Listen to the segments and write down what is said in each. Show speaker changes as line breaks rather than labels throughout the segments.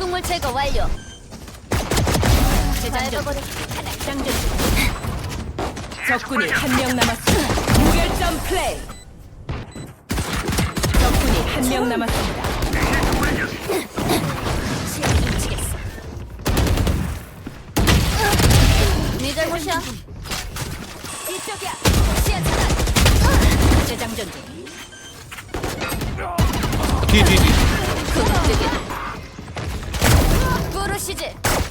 독극물 제거 완료.
재장전.
밟아버려.
장전. 적군이 한 명 남았습니다. 무결점 플레이. 적군이 한 명 남았습니다.
시야 훔치겠어. 네 잘못이야. 이쪽이야. 시야 차단.
재장전 중.
뒤.
굿득이야. 부르시지.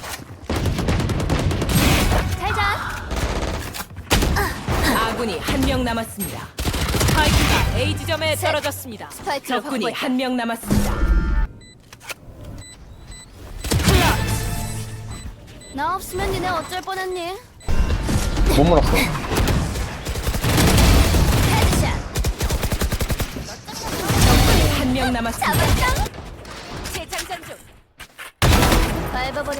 잘자.
아군이 한 명 남았습니다. 스파이크가 A 지점에
셋.
떨어졌습니다.
스파이크를
적군이
확보했다.
한 명 남았습니다.
나 없으면 니네 어쩔 뻔했니?
못 물었어.
헤드샷.
적군이 한 명 남았습니다.
잡았다. 재장전 중. 밟아버려.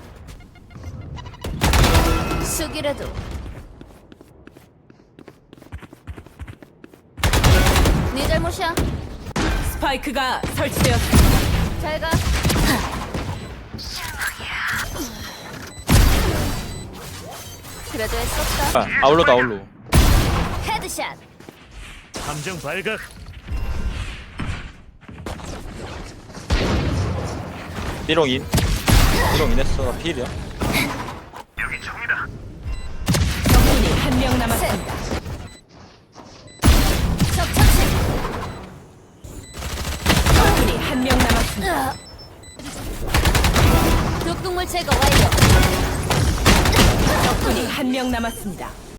숙이라도. 네 잘못이야.
스파이크가 설치되었습니다.
잘 가. 그래도 애썼다.
아울로.
헤드샷.
함정 발각.
삐롱인 했어. 필이야.
여기 총이다.
적군이 한 명 남았습니다.
적 처치.
적군이 한 명 남았습니다.
독극물 제거 완료.
적군이 한 명 남았습니다.